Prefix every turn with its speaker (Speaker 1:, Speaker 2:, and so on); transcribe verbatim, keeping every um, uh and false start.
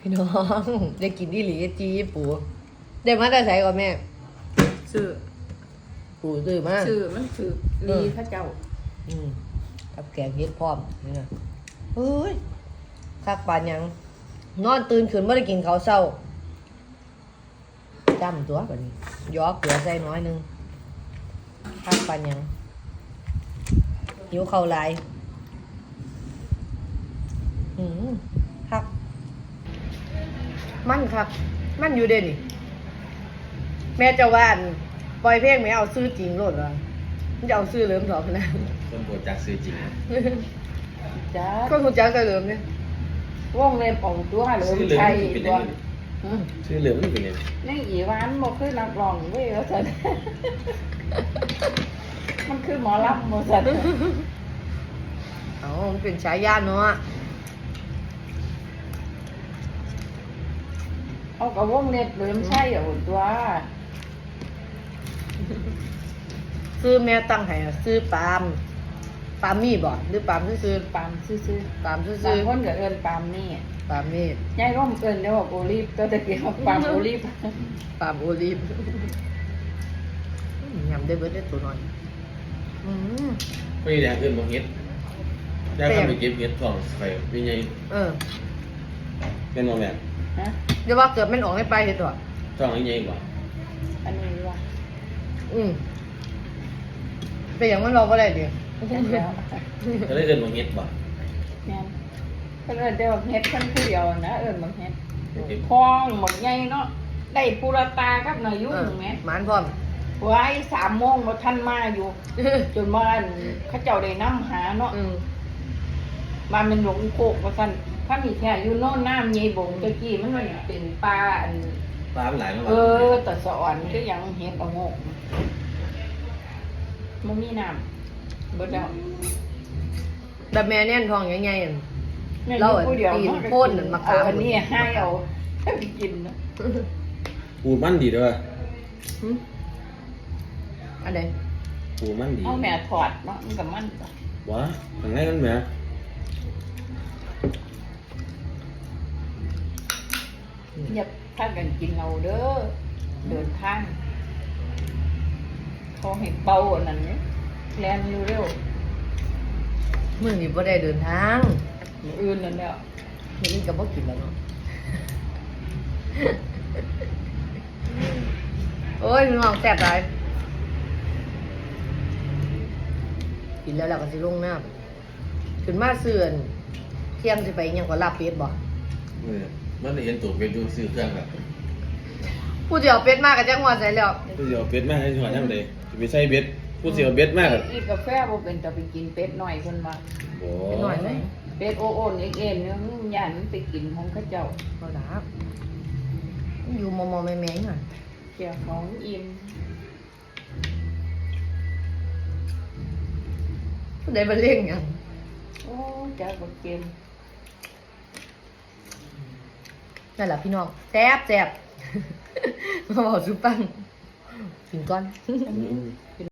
Speaker 1: พี่น้องได้กินอีหลีจีปูได้มาแต่ใส่ก่อนแม่
Speaker 2: ซื้อ
Speaker 1: ปูซื้อมา
Speaker 2: ซื้อมันซื้อลีพระเจ้า
Speaker 1: อืมกับแกงเฮ็ดพร้อมนี่นะเฮ้ยคักปานหยังนอนตื่นขึ้นบ่ได้กินข้าวเช้าจำตัวบัดนี้ยอกเกลือใส่น้อยหนึงคักปานหยังหิวข้าวหลายอืมคักมันคักมันอยู่เด้นี่แม่เจะว่าอันปล่อยเพลงแม่เอาซื้อจริงโลดว่ามันจะเอาซื้อเหลิมสองนะ
Speaker 3: คนโปรดจากซื้อจริงนะ
Speaker 2: จ้า
Speaker 1: ก็คุณจักก็เหลิมเนี่ย
Speaker 2: ว่องเล็บของตัวเหลิม
Speaker 3: ชื่อเหลือง
Speaker 2: ชัย
Speaker 3: มันเป็น
Speaker 2: ตั
Speaker 3: ยั
Speaker 2: ว
Speaker 3: งไง
Speaker 2: อืม
Speaker 3: ชื่อเหลืองมันเป็นยังไง
Speaker 2: นี่อีหวานบ่คือนักร้องเว้ยว่าซั่น มันคือหมอลำบ่ซั่น
Speaker 1: อ๋อมันเป็นฉายาเนาะ
Speaker 2: เอากับว่องเล็บเหลิมชัยเอาตัว
Speaker 1: ซื้อแม่ตั้งให้อะซื้อปาล์มปาล์มมี่บ่หรือปาล์มซื้อ
Speaker 2: ปามซื่อ
Speaker 1: ๆปาล์ม
Speaker 2: ๆ
Speaker 1: ซื้
Speaker 2: บาง
Speaker 1: อ
Speaker 2: คนก็เอิ้นปามนี่
Speaker 1: ๆปาล์มมี่
Speaker 2: ยายร่มเอิ้นได้ว่าโอลีฟตัวตะกี้เอาปามโอลีฟ
Speaker 1: ปาล์มโอลีฟยำได้เบิดได้ตัวน้อยอืม
Speaker 3: ไม่ได้เงินบางเฮ็ดได้ทำไปเก็บเฮ็ดทองใส่เป็นไง
Speaker 1: เออ
Speaker 3: เป็นโมแมน
Speaker 2: ฮะ
Speaker 1: เดี๋ยวว่าเกิดมันออกให้ไปเฮ็ดตัว
Speaker 3: ทองยังไงบ่
Speaker 2: อันนี้ว่า
Speaker 1: อืมเป็นอย่างมันเราบ่ได้ดิ
Speaker 2: เห็นแล้ว
Speaker 3: ก็ได้เงินบางเฮ็ดบ่
Speaker 2: แม่นเพิ่นเอิ้นแต่ว่าเฮ็ดเพิ่นผู้เดียวนะเอิ้นบางเฮ็ด
Speaker 3: เก็บ
Speaker 2: พองหมดใหญ่เนาะได้ปูรตากับนายุ่
Speaker 1: เออง
Speaker 2: แม่
Speaker 1: หมานพร้อม
Speaker 2: ไว้สามโมงบ่ทันมาอยู่ จนว่าอันเขาเจ้าได้นำหาเนาะ
Speaker 1: อืม
Speaker 2: มาเป็นหลงโคกว่าซั่นถ้ามีแค่อยู่โน่นน้ำใหญ่บงตะกี้มันมันเป็นปลาอัน
Speaker 3: ปลามันหลายมาก
Speaker 2: เออแต่สะอ่อนก็ยังเฮ็ดเอางกมันมีน้ำเบิดแล้ว
Speaker 1: แบบแม่แน่นท้องใหญ่ๆอั่น
Speaker 2: แม่
Speaker 1: เรา
Speaker 2: อยู่ผู้เดียว
Speaker 1: ปีน
Speaker 2: เนาะ
Speaker 1: โพ่นนั่นมะขาม
Speaker 2: เออันนี้ให้เอาไปกินนะ
Speaker 3: ปูมันดีเด้อ
Speaker 1: หึอันใด
Speaker 3: ปูมันดี
Speaker 2: เอาแม่ถอดเนาะมันก็มันจ้ะ
Speaker 3: วะทางไหนมันแหม
Speaker 2: อย่าพากันกินเราเด้อเดินทางเขาให้เป่าอันนั้นเนี่ยแลนเร็ว
Speaker 1: มื้อนี้บ่ได้เดินทาง
Speaker 2: ๆมื้ออื่นนั่นแหล้ว
Speaker 1: มื้อนี้ก็บ่กินแล้วเนาะ โอ้ยพี่น้องแซ่บหลายกินแล้วเราก็สิลงน้ำขึ้นมาเสื่อนเที่ยงสิไปอิหยังก็ลาบเป็ดบ่
Speaker 3: เออมันได้เห็นตัวเป็นดูซื้อเครื่องแบบ
Speaker 1: ผู้เดียวเป็ดมากก็จังหวัดใส่แล้ว
Speaker 3: ผู้เสียวเป็ดมากให้จังหวะยังไงจะไปใส่เบ็ดผู้เสียวเบ็ดมาก
Speaker 2: อีกกาแฟบ่เป็นแต่ไปกินเป็ดหน่อยเพิ่นว่า
Speaker 3: โอ้
Speaker 1: เป็ดหน่อยไหม
Speaker 2: เป็ดโอโอนเอ็กเอ็นเนี่ยยันไปกินของเขาเจ้า
Speaker 1: บ่ดาบอยู่มอมอแม่แม่ๆน่ะ
Speaker 2: เกี่ยวของอิ่ม
Speaker 1: ผู้ใดบ่เล่งหยัง
Speaker 2: โอ้จ้าบ่เกม
Speaker 1: นั่นล่ะพี่น้องแซ่บแซ่บ มาบอกสุปังกินก่อน
Speaker 3: อืม